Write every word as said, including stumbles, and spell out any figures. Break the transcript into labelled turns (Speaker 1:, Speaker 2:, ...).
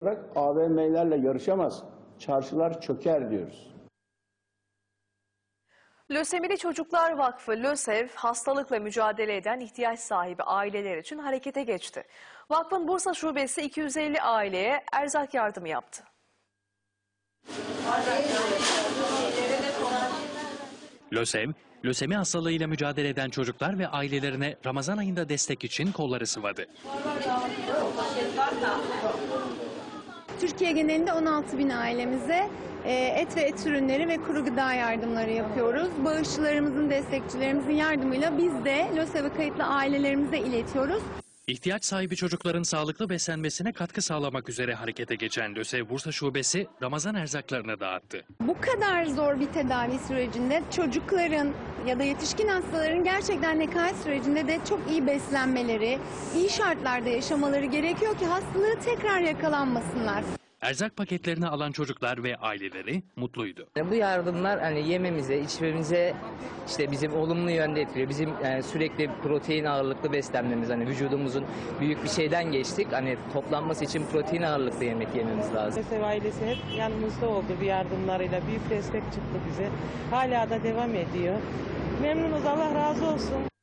Speaker 1: A V M'lerle yarışamaz, çarşılar çöker diyoruz.
Speaker 2: Lösemili Çocuklar Vakfı LÖSEV, hastalıkla mücadele eden ihtiyaç sahibi aileler için harekete geçti. Vakfın Bursa Şubesi iki yüz elli aileye erzak yardımı yaptı.
Speaker 3: LÖSEV, lösemi hastalığıyla mücadele eden çocuklar ve ailelerine Ramazan ayında destek için kolları sıvadı.
Speaker 4: Türkiye genelinde on altı bin ailemize et ve et ürünleri ve kuru gıda yardımları yapıyoruz. Bağışçılarımızın, destekçilerimizin yardımıyla biz de LÖSEV'e kayıtlı ailelerimize iletiyoruz.
Speaker 3: İhtiyaç sahibi çocukların sağlıklı beslenmesine katkı sağlamak üzere harekete geçen LÖSEV Bursa Şubesi Ramazan erzaklarını dağıttı.
Speaker 4: Bu kadar zor bir tedavi sürecinde çocukların ya da yetişkin hastaların gerçekten nekaat sürecinde de çok iyi beslenmeleri, iyi şartlarda yaşamaları gerekiyor ki hastalığı tekrar yakalanmasınlar.
Speaker 3: Erzak paketlerini alan çocuklar ve aileleri mutluydu.
Speaker 5: Bu yardımlar hani yememize, içmemize işte bizim olumlu yönde etkiliyor. Bizim yani sürekli protein ağırlıklı beslenmemiz, hani vücudumuzun büyük bir şeyden geçtik. Hani toplanması için protein ağırlıklı yemek yememiz lazım.
Speaker 6: LÖSEV ailesi hep yanımızda oldu bir yardımlarıyla. Büyük destek çıktı bize. Hala da devam ediyor. Memnunuz, Allah razı olsun.